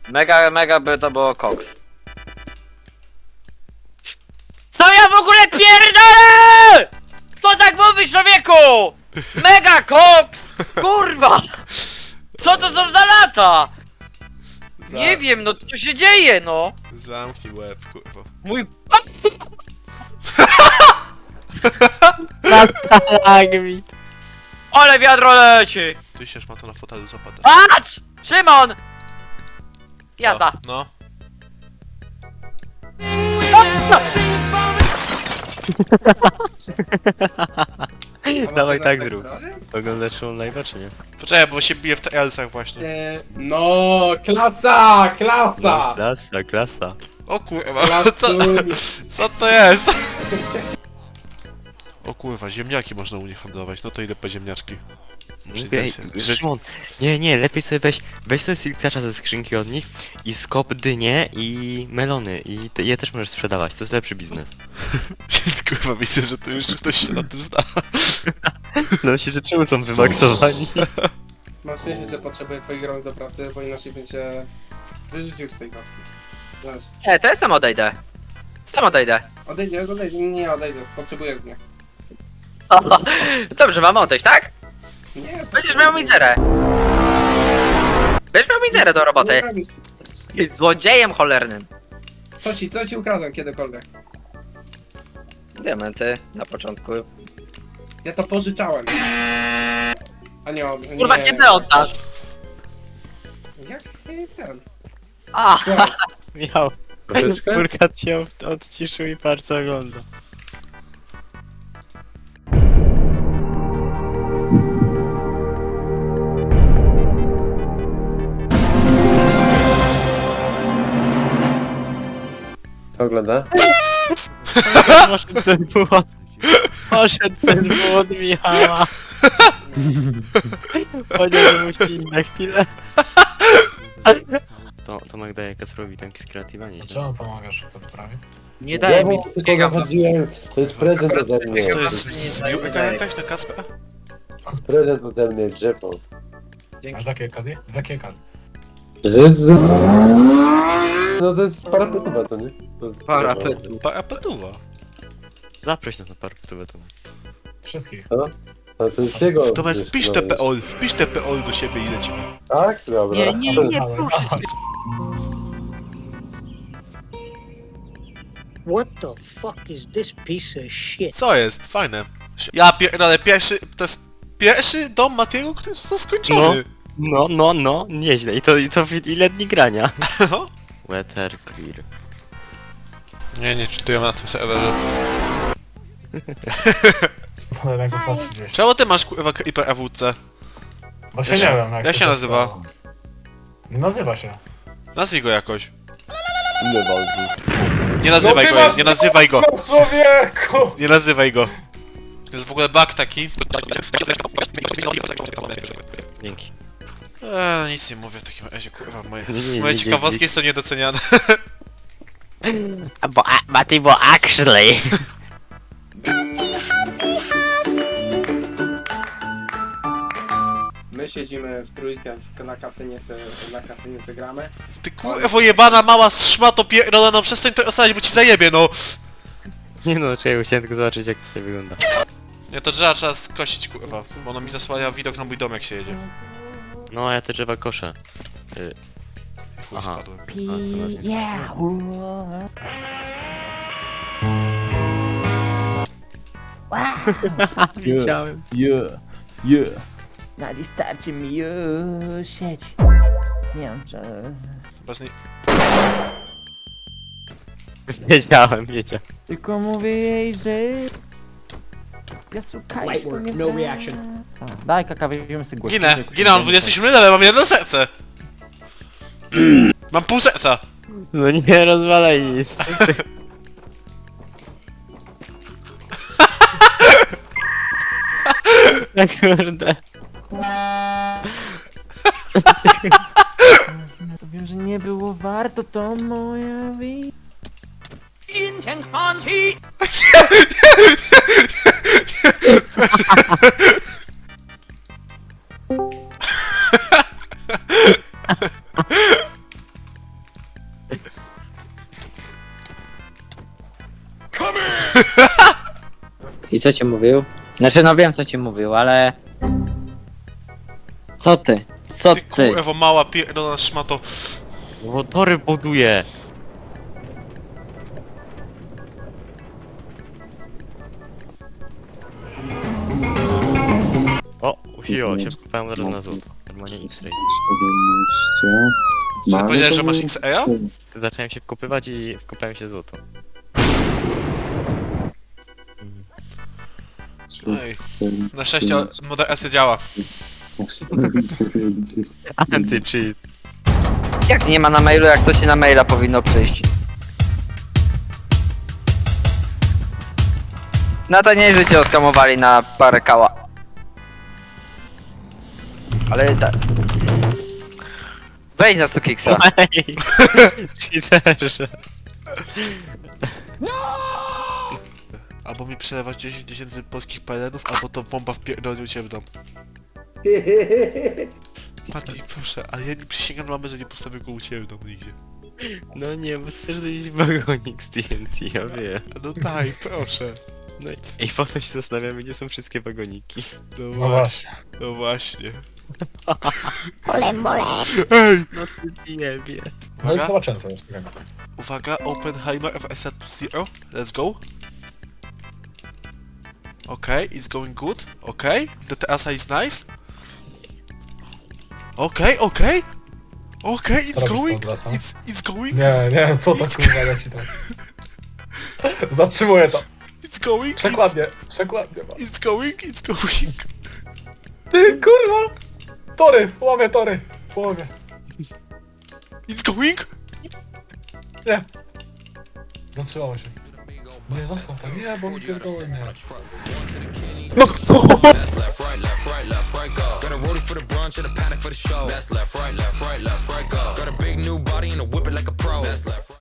Mega by to było koks. Co ja w ogóle pierdolę?! Kto tak mówi, człowieku?! Mega koks! Kurwa! Co to są za lata?! Nie wiem, no co się dzieje, no! Zamknij łeb, kurwa. Mój... Tak mi. Ale wiadro leci! Ty się ma to na fotelu zapadasz. Patrz! Szymon! Jazda! No. Dawaj tak zrób. Oglądasz show live'a czy nie? Poczekaj, bo się bije w TLS-ach właśnie. No, klasa, klasa! Klasa, klasa. O kurwa, co, Klasuń. co to jest? O kurwa, ziemniaki można u nich handlować, no to idę po ziemniaczki. Mówię, Że- Szymon, nie, lepiej sobie weź sobie silkacza ze skrzynki od nich i skop dynie i melony i je też możesz sprzedawać, to jest lepszy biznes. Kurwa, myślę, że tu już ktoś się na tym zna. No myślę, że czemu są wymaksowani? Mam szczęście, że potrzebuję twoich rąk do pracy, bo inaczej będzie wyrzucił z tej kaski. Znasz, Nie, to ja sam odejdę. Sam odejdę. odejdę, nie odejdę, potrzebuję mnie. Dobrze, mam odejść, tak? Nie, Będziesz miał mizerę. Będziesz miał mizerę do roboty. Jesteś złodziejem cholernym. Co ci ukradłem kiedykolwiek? Diamenty na początku. Ja to pożyczałem. A nie, Kurwa, nie. kiedy oddasz? Jak ten? A, Słuchaj, Miał. Troszeczkę? Kurka cię odciszył i patrz co ogląda. to ogląda? Poszedł ten błąd Michała. Powiedział, że musi iść na chwilę. To Magda jaka robi tanki z kreatywa, nie? Czemu pomagasz w sprawie? nie daje mi Tylko chodziłem, to jest prezent ode mnie. To jest zbiórka jakaś na Kacpra? Prezent ode mnie, drzewo. A z jakiej okazji? Z jakiej okazji? No to jest parapetowa, to nie? To jest Parapetu. Parapetuwa. Zaproś nas na parapetówę to. Wszystkich. A to jest jego. Tomek, przecież, wpisz no. te POL, wpisz te POL do siebie i lecimy. Tak? Dobra. Nie, proszę. What the fuck is this piece of shit? Co jest? Fajne. Ja pierdolę, to jest pierwszy dom Matiego, który jest skończony. No, nieźle. I to ile dni grania? No. Weather clear. Nie czytuję na tym serwerze. Wolę go zobaczyć gdzieś. Czemu ty masz kurwa Creeper AWC? Właśnie Jak się- nie wiem jak jak to się nazywa? stało. Nie nazywa się. Nazwij go jakoś. Nie walczy. Nie nazywaj go, nie nazywaj go. Człowieku! Nie nazywaj go. To jest w ogóle bug taki. Dzięki. Nic nie mówię w takim razie, kurwa, moje Nie, ciekawostki są niedoceniane. Bo actually. My siedzimy w trójkę na kasynie se gramy. Ty kurwa jebana mała szmato pierdolona, no przestań to ostać, bo ci zajebie, no. Nie no, czekaj, chciałem tylko zobaczyć jak to wygląda. Nie, to trzeba skosić, kurwa, bo ono mi zasłania widok na mój dom, jak się jedzie. No, ja te drzewa koszę. Chuj, Aha. spadłem. Widziałem. Yeah. No wystarczy mi już sieć. Nie wiem czy... Bez nie... Wiedziałem. Tylko mówię jej, że... Piasukaj Light work, no reaction. Co? Daj kaka, weźmiemy sobie głos. Ginę, mam 27 level, mam jedno serce. Mam pół serca. No nie rozwalaj nic. Kurde. Wiem, że nie było warto, to moja wina. I co ci mówił? Znaczy no wiem co ci mówił, ale... Co ty? Co Ty ty? kurwa mała pierdolona szmato. Bo tory buduje. O, usiło się, wkopałem od razu na złoto. Normalnie X-ray. Czy powiedziałeś, że masz XA? Zacząłem się wkopywać i wkopałem się złoto. Ej. Na szczęście moderacja działa. Anty-cheat. Jak nie ma na mailu, jak to się na maila powinno przyjść? No to nie, że cię oskamowali na parę kała. Ale tak. Wejdź na Sukiksa. Ej! Cheaterze. Albo mi przelewasz 10 000 polskich pelenów, albo to bomba wpierdolił cię w dom. Mati, proszę, ale ja nie przysięgam mamy, że nie postawię go u ciebie w domu nigdzie. No nie, bo chcesz dojść wagonik z TNT, ja wiem. No daj, proszę. No i potem się zastanawiamy, gdzie są wszystkie wagoniki. No No właśnie. No właśnie. Mole. Ej! No ty nie wie. No i Uwaga. zobaczymy sobie spokojnie. Uwaga, Oppenheimer FSA to 0. Let's go. Okay, it's going good. Okay, the TSA is nice. Okay, okay. Okay, it's Co robisz z going. tą trasą? It's going. Nie, co to kurwa leci tam? Zatrzymuję to. It's going. Przekładnie, przekładnie. It's going, it's going. Ty kurwa! Tory, łamię tory. W połowie. It's going. Nie. Zatrzymało się. Nie, zostaw to. Nie, bo mi pierdolę, nie. That's left, right, go. Got a rollie for the brunch and a panic for the show. That's left, right, go. Got a big new body and a whip it like a pro. That's left, right.